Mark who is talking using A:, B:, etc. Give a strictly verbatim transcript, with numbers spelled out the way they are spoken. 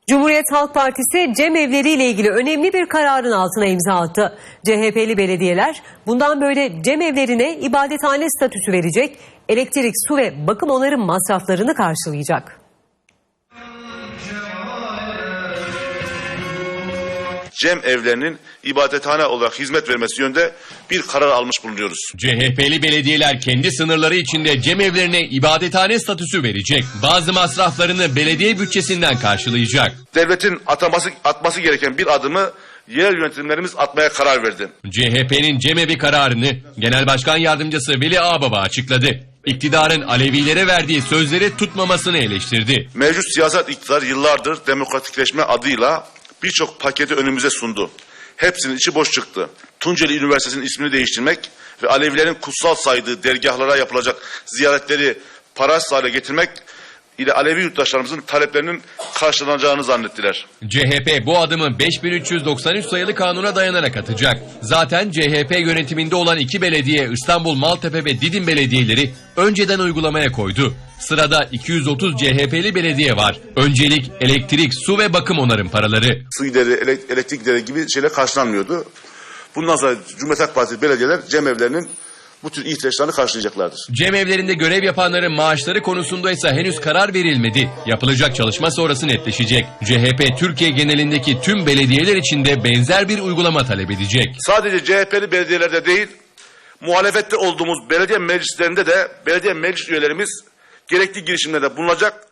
A: Cumhuriyet Halk Partisi cemevleri ile ilgili önemli bir kararın altına imza attı. C H P'li belediyeler bundan böyle cemevlerine ibadethane statüsü verecek, elektrik, su ve bakım onarım masraflarını karşılayacak.
B: Cem evlerinin ibadethane olarak hizmet vermesi yönünde bir karar almış bulunuyoruz.
C: C H P'li belediyeler kendi sınırları içinde cemevlerine ibadethane statüsü verecek. Bazı masraflarını belediye bütçesinden karşılayacak.
B: Devletin ataması, atması gereken bir adımı yerel yönetimlerimiz atmaya karar verdi.
C: C H P'nin cemevi kararını Genel Başkan Yardımcısı Veli Ağbaba açıkladı. İktidarın Alevilere verdiği sözleri tutmamasını eleştirdi.
B: Mevcut siyasal iktidar yıllardır demokratikleşme adıyla birçok paketi önümüze sundu. Hepsinin içi boş çıktı. Tunceli Üniversitesi'nin ismini değiştirmek ve Alevilerin kutsal saydığı dergahlara yapılacak ziyaretleri parasız hale getirmek ile Alevi yurttaşlarımızın taleplerinin karşılanacağını zannettiler.
C: C H P bu adımı beş bin üç yüz doksan üç sayılı kanuna dayanarak atacak. Zaten C H P yönetiminde olan iki belediye İstanbul, Maltepe ve Didim belediyeleri önceden uygulamaya koydu. Sırada iki yüz otuz C H P'li belediye var. Öncelik elektrik, su ve bakım onarım paraları.
B: Su gideri, elektrik gideri gibi şeyler karşılanmıyordu. Bundan sonra Cumhuriyet Halk Partisi belediyeler cemevlerinin bu tür ihtiyaçlarını karşılayacaklardır.
C: Cemevlerinde görev yapanların maaşları konusunda ise henüz karar verilmedi. Yapılacak çalışma sonrası netleşecek. C H P Türkiye genelindeki tüm belediyeler için de benzer bir uygulama talep edecek.
B: Sadece C H P'li belediyelerde değil, muhalefette olduğumuz belediye meclislerinde de belediye meclis üyelerimiz gerekli girişimlerde bulunacak